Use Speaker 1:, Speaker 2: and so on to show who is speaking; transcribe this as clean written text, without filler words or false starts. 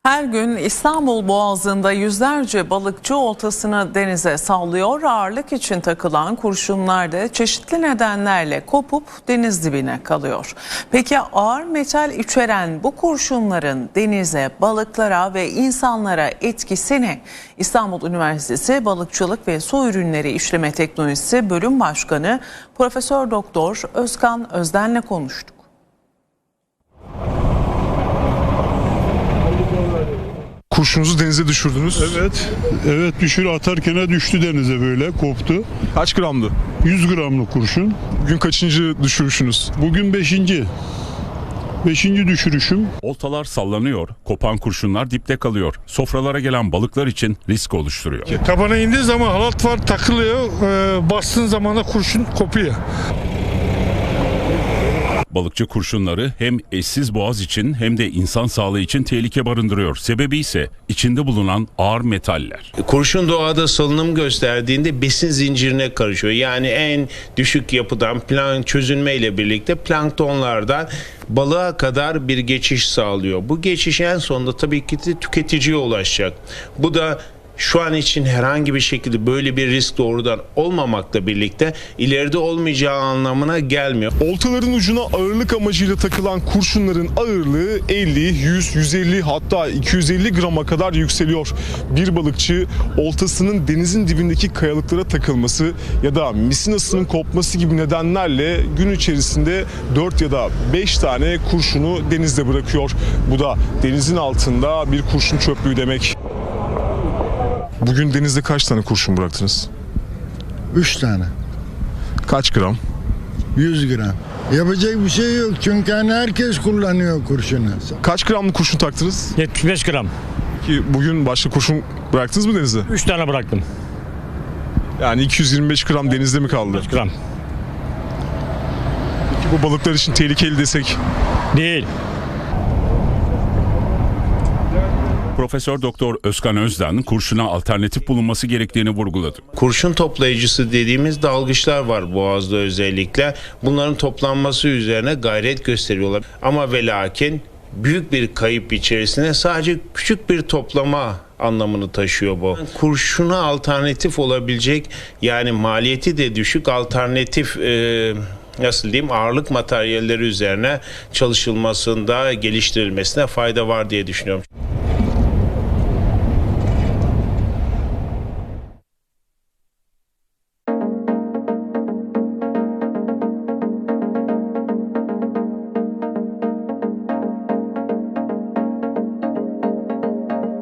Speaker 1: Her gün İstanbul Boğazı'nda yüzlerce balıkçı oltasını denize sallıyor. Ağırlık için takılan kurşunlar da çeşitli nedenlerle kopup deniz dibine kalıyor. Peki ağır metal içeren bu kurşunların denize, balıklara ve insanlara etkisi ne? İstanbul Üniversitesi Balıkçılık ve Su Ürünleri İşleme Teknolojisi Bölüm Başkanı Profesör Doktor Özkan Özden'le konuştuk.
Speaker 2: Kurşunuzu denize düşürdünüz.
Speaker 3: Evet atarken düştü denize, böyle koptu.
Speaker 2: Kaç gramdı?
Speaker 3: 100 gramlık kurşun.
Speaker 2: Bugün kaçıncı düşürüşünüz?
Speaker 3: Bugün 5. düşürüşüm.
Speaker 4: Oltalar sallanıyor, kopan kurşunlar dipte kalıyor. Sofralara gelen balıklar için risk oluşturuyor.
Speaker 5: Tabana indiği zaman halat var, takılıyor. Bastığın zaman da kurşun kopuyor.
Speaker 4: Balıkçı kurşunları hem eşsiz boğaz için hem de insan sağlığı için tehlike barındırıyor. Sebebi ise içinde bulunan ağır metaller.
Speaker 6: Kurşun doğada salınım gösterdiğinde besin zincirine karışıyor. Yani en düşük yapıdan çözünmeyle birlikte planktonlardan balığa kadar bir geçiş sağlıyor. Bu geçiş en sonunda tabii ki de tüketiciye ulaşacak. Bu da şu an için herhangi bir şekilde böyle bir risk doğrudan olmamakla birlikte ileride olmayacağı anlamına gelmiyor.
Speaker 2: Oltaların ucuna ağırlık amacıyla takılan kurşunların ağırlığı 50, 100, 150 hatta 250 grama kadar yükseliyor. Bir balıkçı oltasının denizin dibindeki kayalıklara takılması ya da misinasının kopması gibi nedenlerle gün içerisinde 4 ya da 5 tane kurşunu denizde bırakıyor. Bu da denizin altında bir kurşun çöplüğü demek. Bugün denizde kaç tane kurşun bıraktınız?
Speaker 7: 3 tane.
Speaker 2: Kaç gram?
Speaker 7: 100 gram. Yapacak bir şey yok çünkü hani herkes kullanıyor kurşunu.
Speaker 2: Kaç gramlık kurşun taktınız?
Speaker 8: 75 gram.
Speaker 2: Ki bugün başka kurşun bıraktınız mı denize?
Speaker 8: 3 tane bıraktım.
Speaker 2: Yani 225 gram denizde mi kaldı?
Speaker 8: 5 gram.
Speaker 2: Peki bu balıklar için tehlikeli desek?
Speaker 8: Değil.
Speaker 4: Profesör Doktor Özkan Özden kurşuna alternatif bulunması gerektiğini vurguladı.
Speaker 6: Kurşun toplayıcısı dediğimiz dalgıçlar var Boğaz'da özellikle. Bunların toplanması üzerine gayret gösteriyorlar. Ama ve lakin büyük bir kayıp içerisinde sadece küçük bir toplama anlamını taşıyor bu. Kurşuna alternatif olabilecek, yani maliyeti de düşük alternatif ağırlık materyalleri üzerine çalışılmasında, geliştirilmesine fayda var diye düşünüyorum.